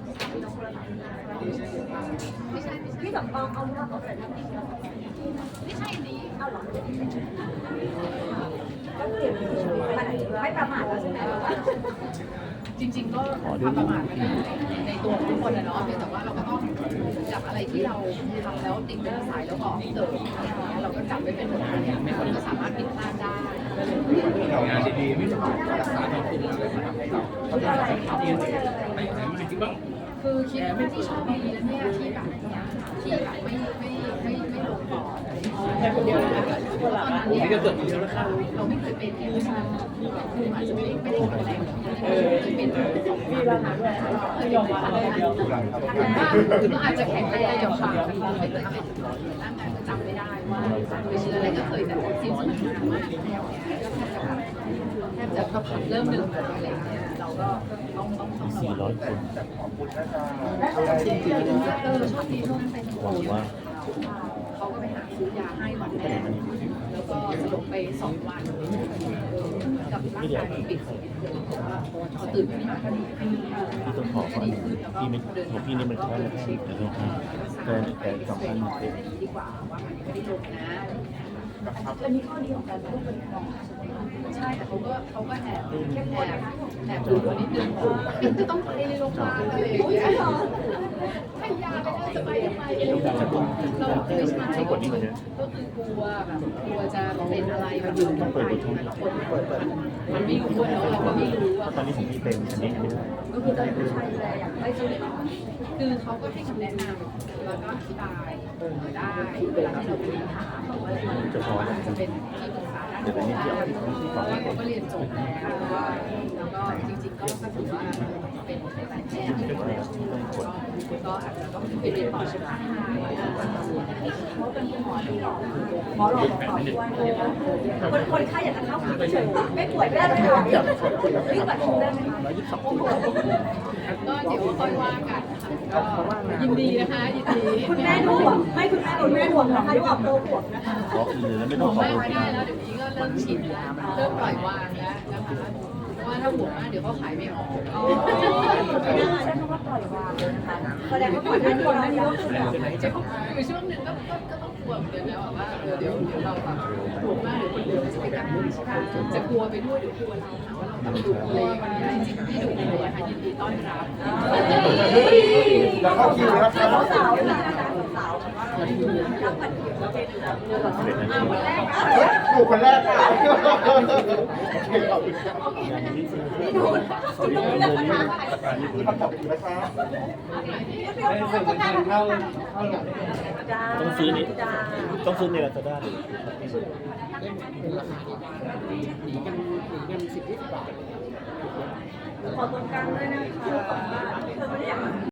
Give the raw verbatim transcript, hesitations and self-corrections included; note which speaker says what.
Speaker 1: ไม่ใช่พี่แบบเอาเอาเอาเอาแต่น้ำพริกไม่ใช่ดีเอาหรอก็เก็บไม่ประมาทแล้วใช่ไหมว่า
Speaker 2: จริงๆก็ความประมาทมันในตัวทุกคนนะเนาะเพียงแต่ว่าเราก็ต้องจับอะไรที่เราทำแล้วติดเป็นนิสัยแล้วก็เติมเราก็จับไว้เป็นบทเรียนมันก็สามารถผิดพลาดได้
Speaker 3: งานดีๆไม่ต้องรักษาที่คุณอะไรมาทำให้เราเขาจะทำที่ไม่ไหนไม่จริงบ้าง
Speaker 2: คือคิดว่าที่ชอบดีนะเนี่ยที่แบบที่แบบไม่ไม่ไม่ไม่ลงปอดแค่คนเดียวนะตอนนั้นเนี่ยเราไม่เคยเป็นคือคืออาจจะไม่ได้ไม่ได้แข็งแรงเออเป็นมีราคาด้วยเคยยอมมาอะไรเดียวคืออาจจะแข็งแรงอย่างค่ะไม่เคยเป็นร่างกายมันจำไม่ได้ว่าไปเชื้ออะไรก็เคยแต่สิ่งที่มันมากแล้วเนี่ยแทบจะก็เริ่มหนึ่งอะไรอย่างเงี้ยเราก็ต้องต้องต้องสี่ร้อยคน
Speaker 3: ขอบคุณนะจ๊ะ
Speaker 2: จริงๆเออชอบดีช่วงนั้นเป็นห่วงว่าเขาก็ไปหาซื้อยาให้วันแรกแล้วก็สลบไปสองวันกับร่างกายมันปิดพอตื่นขึ้นมาก็ดีขึ้น
Speaker 4: พี่ต้องขอก่อนพี่ไม่ของพี่นี่มันแค่แค่แต่ต้องแต่แต่สำคัญ
Speaker 2: ดีกว่าว่ามันไม่ได้ลงนะ
Speaker 1: อันนี้ข้อดีของการพูดเป็นกอง
Speaker 2: ใช่แต่เขาก็เขาก็แอบแอบแอบดูตัวนิดนึงจะต้องไปในโรงพยาบาลอะไรอย่างเงี้ยให้ยาไปได้จะไปทำไมเราไม่ใช่ก็คือกลัวแบบกลัวจะเป็นอะไรแบบ
Speaker 4: ต้องเปิดบททุน
Speaker 2: มันไม่รู้เนาะเราก็ไม่รู้ว่า
Speaker 4: ตอนนี้ของพี่เป็นอันนี้ไม่ได้
Speaker 2: ก็คือตอนนี้ใช่เลยอยากให้ซื้อคือเขาก็ให้คำแนะนำแล้วก็อธิบายได้เวลาที่เราไปถามว่า
Speaker 4: จะพอ
Speaker 2: จะเป็นที่ปรึกษาด้านการเพราะว่าเขาก็เรียนจบแล้วแล้วก็จริงๆก็ถือว่าเป็นนายแพทย์ก็อาจจะต้องไปเรียนต่อใช่ไหม
Speaker 1: เขาเป็นคุณหมอที่หล่อหมอหล่อหมอด้วยคนคนไข้อยากจะเข้าคุยเฉยไม่ป่วยไม่ได้เลยค่ะรีบบัตรคิวได้ไหมคะ
Speaker 2: ก็เดี๋ยวค่อยว่ากันก็ยินดีนะคะยินดี
Speaker 1: คุณแม่ดูห่วงไม่คุณแม่คุณแม่ห่วงนะคะดูออกตัวห่วงนะคะ
Speaker 4: ขอคืนแล้วไม่ต้องขอ
Speaker 2: ไม่ได้แล้วเดี๋ยวนี้ก็เริ่มชินแล้วเริ่มปล่อยวางแล้วนะคะเพราะว่าถ้าห่วงมากเดี๋ยวเขาขายไม่ออก
Speaker 1: อ๋อใช้คำว่าปล่อยวางเลยนะคะแสดงว่าก่อนหน้านี้ก่อนหน้านี้ก็คือ
Speaker 2: คือช่วงหนึ่งก็ก็ต้องกลัวเหมือนกันนะว่าเดี๋ยวเดี๋ยวเราแบบห่วงมากเดี๋ยวคนเดียวจะไปกันจะกลัวไปด้วยเดี๋ยวกลัวเราหาว่าเราดุเลยวันนี้จริงๆที่ดุเลยค่ะยินดีต้อนรับ
Speaker 3: แล้วเข้าคิวแล้วครับ
Speaker 1: สาวๆนะคะสาวๆแบบว่ารับบัตรคิวแล้วเป็นคนแรก
Speaker 3: ถูกคนแรกค่ะโอเคขอบคุณครับ
Speaker 1: นี่ดูคุณต้องเลือกกันมา
Speaker 3: ขอบคุณนะครับ
Speaker 4: ต้องซื้อนี่ต้องซื้อในลาซาด้าเลย
Speaker 1: ขอตรงกลางด้วยนะคะ